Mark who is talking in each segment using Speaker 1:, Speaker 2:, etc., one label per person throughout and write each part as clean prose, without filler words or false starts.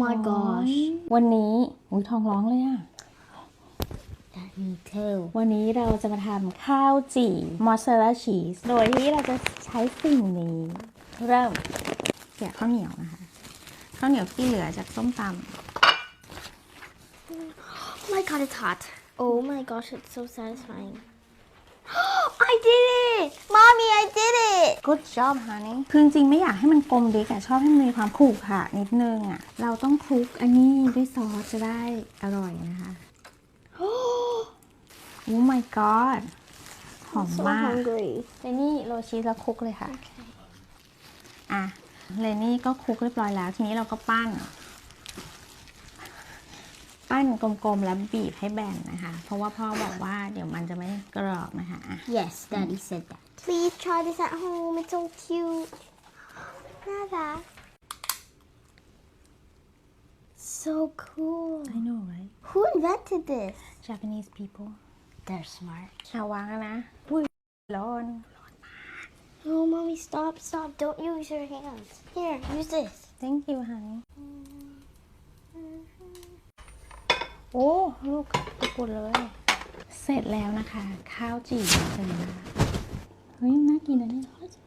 Speaker 1: my gosh
Speaker 2: วันนี้อุ้ยท้องร้องเลยอะ
Speaker 1: me too
Speaker 2: วันนี้เราจะมาทำข้าวจี่มอสซาเรลล่าชีสโดยที่เราจะใช้สิ่งนี้เริ่มเกี่ยข้าวเหนียวนะคะข้าวเหนียวที่เหลือจากส้มตำ
Speaker 1: Oh my god, it's hot. Oh my gosh, it's so satisfying. I did it! Mommy, I did it!
Speaker 2: Good job honey คือจริงๆไม่อยากให้มันกลมดิกอะชอบให้มันมีความขรุขระนิดนึงอะเราต้องคลุกอันนี้ด้วยซอสจะได้อร่อยนะคะ Oh my god หอม
Speaker 1: So
Speaker 2: มาก
Speaker 1: hungry.
Speaker 2: เลนี่โรยชีสแล้วคลุกเลยค่ะ อ่ะเลนี่ก็คลุกเรียบร้อยแล้วทีนี้เราก็ปั้นกลมๆแล้วบีบให้แบนนะคะเพราะว่าพ่อบอกว่าเดี๋ยวมันจะไม่กรอบนะคะ
Speaker 1: Yes, Daddy said that. Please try this at home. It's so cute. Nada. So cool.
Speaker 2: I know right
Speaker 1: Who invented this?
Speaker 2: Japanese people
Speaker 1: They're smart.
Speaker 2: เอาวางแล้วนะอุ้ยร้อน
Speaker 1: Oh, Mommy, stop. Don't use your hands. Here, use this.
Speaker 2: Thank you honey โอ้ลูกปุดเลย เสร็จแล้วนะคะ ข้าวจี่เสร็จแล้วเฮ้ยน่ากินนะเนี่ย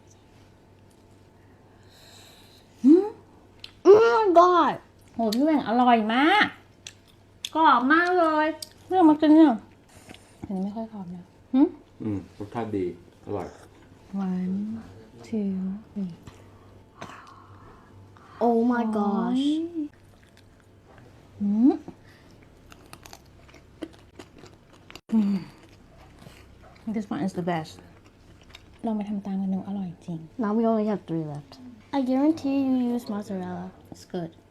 Speaker 1: Oh my god.
Speaker 2: โหพี่แหว่งอร่อยมากกรอบมากเลยเรื่องมากินเนี่ยอันนี้ไม่ค่อยกรอบนะ
Speaker 3: รสชาติดี อร่อย
Speaker 2: one two three
Speaker 1: Oh my gosh.
Speaker 2: This one is the best ลองไปทำตามกันดูอร่อยจริง
Speaker 1: Now we only have 3 left. I guarantee you use mozzarella.
Speaker 2: It's good